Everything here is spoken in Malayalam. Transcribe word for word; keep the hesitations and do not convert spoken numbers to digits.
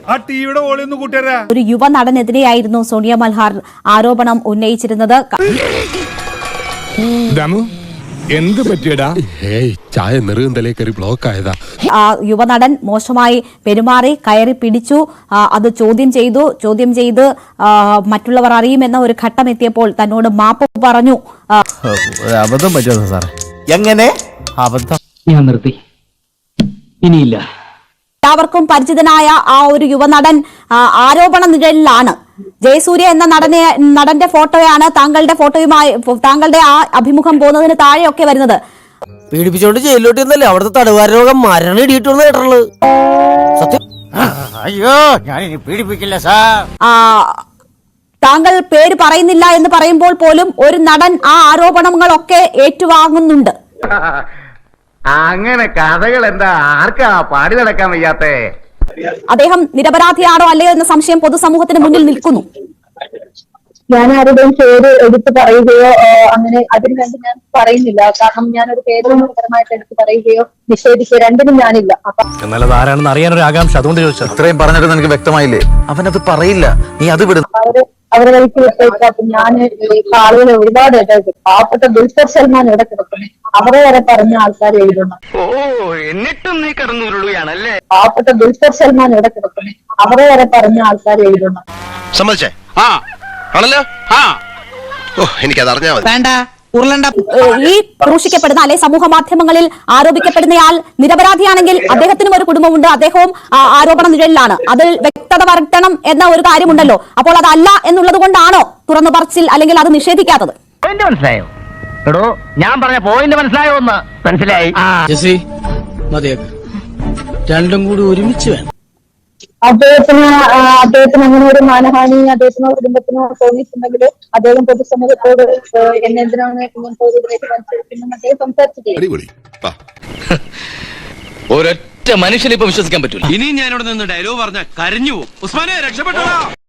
ആ ടിവിയുടെ ഓളിയൊന്ന് കൂട്ടിയരാ. ഒരു യുവ നടനെതിരെയായിരുന്നു സോണിയ മൽഹാർ ആരോപണം ഉന്നയിച്ചിരുന്നത്. എന്ത് പറ്റിയടാ? ചായ നെറുകന്തലേ കയറി ബ്ലോക്ക് ആയതാ. ആ യുവനടൻ മോശമായി പെരുമാറി, കയറി പിടിച്ചു, അത് ചോദ്യം ചെയ്തു. ചോദ്യം ചെയ്ത് മറ്റുള്ളവർ അറിയുമെന്ന ഒരു ഘട്ടം എത്തിയപ്പോൾ തന്നോട് മാപ്പ് പറഞ്ഞു. അബദ്ധം പറ്റുമോ സാറേ? എങ്ങനെ അബദ്ധം? ഞാൻ നിർത്തി, ഇനിയില്ല. എല്ലാവർക്കും പരിചിതനായ ആ ഒരു യുവനടൻ ആരോപണ നിഴലിലാണ്. ജയസൂര്യ എന്ന നടനെ നടന്റെ ഫോട്ടോയാണ് താങ്കളുടെ ഫോട്ടോയുമായി താങ്കളുടെ ആ അഭിമുഖം പോകുന്നതിന് താഴെയൊക്കെ വരുന്നത്. പീഡിപ്പിച്ചോണ്ട് ജയിലിലോട്ട് ഇന്നല്ലേ അവിടുത്തെ തടവുകാര രോഗം മരണം ഇടിയിട്ടുള്ള കേട്ടുള്ളത്. സത്യം. അയ്യോ, ഞാൻ ഇനി പീഡിപ്പിക്കില്ല സാർ. താങ്കൾ പേര് പറയുന്നില്ല എന്ന് പറയുമ്പോൾ പോലും ഒരു നടൻ ആ ആരോപണങ്ങളൊക്കെ ഏറ്റുവാങ്ങുന്നുണ്ട്. അങ്ങനെ കഥകൾ എന്താ ആർക്കാ പാടി നടക്കാൻ വയ്യാത്തേ? അദ്ദേഹം നിരപരാധിയാണോ അല്ലയോ എന്ന സംശയം പൊതുസമൂഹത്തിന് മുന്നിൽ നിൽക്കുന്നു. ഞാൻ ആരുടെയും പേര് എടുത്ത് പറയുകയോ അങ്ങനെ അതിന് വേണ്ടി ഞാൻ പറയുന്നില്ല. കാരണം ഞാനൊരു പേരുപരമായിട്ട് എടുത്ത് പറയുകയോ നിഷേധിക്കുകയോ രണ്ടിനും ഞാനില്ല. എന്നാലും ആരാണെന്ന് അറിയാനൊരു ആകാംക്ഷ, അതുകൊണ്ട് ചോദിച്ചു. ഇത്രയും പറഞ്ഞിട്ട് നിനക്ക് വ്യക്തമായില്ലേ? അവനത് പറയില്ല, നീ അത് വിടുന്നു. അവര് അവരെ വഴിക്ക് വിട്ടേക്ക്. അപ്പൊ ഞാൻ ആളുകളെ ഒരുപാട് ഇടയ്ക്ക് പാവപ്പെട്ട ദുൽഖർ സൽമാൻ ഇവിടെ കിടക്കുന്നു, അവരെ വരെ പറഞ്ഞ ആൾക്കാർ എഴുതുന്നു. എന്നിട്ടും നീ കടന്നുരുളുകയാണല്ലേ? പാവപ്പെട്ട ദുൽഖർ സൽമാൻ ഇവിടെ കിടക്കുന്നു, അവരെ വരെ പറഞ്ഞ ആൾക്കാർ എഴുതുന്നു. സമ്മതിച്ചേ? ആ ആണല്ലോ. ആ ഓ എനിക്കത് അറിഞ്ഞാൽ മതി. വേണ്ട ഉരുളണ്ട. ഈ ക്രൂശിക്കപ്പെടുന്ന അല്ലെ സമൂഹ മാധ്യമങ്ങളിൽ ആരോപിക്കപ്പെടുന്നയാൾ നിരപരാധിയാണെങ്കിൽ അദ്ദേഹത്തിനും ഒരു കുടുംബമുണ്ട്, അദ്ദേഹവും ആരോപണ നിഴലിലാണ്. അതിൽ വ്യക്തത വരുത്തണം എന്ന ഒരു കാര്യമുണ്ടല്ലോ. അപ്പോൾ അതല്ല എന്നുള്ളത് കൊണ്ടാണോ തുറന്നു പറച്ചിൽ അല്ലെങ്കിൽ അത് നിഷേധിക്കാത്തത്? മനസ്സിലായോ? എടോ, ഞാൻ പറഞ്ഞ പോയിന്റ് മനസ്സിലായോ? ഒന്ന് മനസ്സിലായി. രണ്ടും കൂടി ഒരുമിച്ച് വേണം. അദ്ദേഹത്തിന് അദ്ദേഹത്തിന് അങ്ങനെ ഒരു മാനഹാനി അദ്ദേഹത്തിനോ കുടുംബത്തിനോ തോന്നിയിട്ടുണ്ടെങ്കിൽ അദ്ദേഹം പൊതുസമൂഹത്തോട് എന്നെ എന്തിനാണ് ഇങ്ങനത്തെ ഒരു ഇതിലേക്ക് മത്സരിക്കുന്നത് അദ്ദേഹം സംസാരിച്ചിട്ടില്ല. ഒരൊറ്റ മനുഷ്യനെ ഇപ്പൊ വിശ്വസിക്കാൻ പറ്റൂല. ഇനി ഞാനിവിടെ നിന്ന് ഡയലോഗ് പറഞ്ഞ കരഞ്ഞു പോകും. ഉസ്മാനെ രക്ഷപ്പെട്ടോ.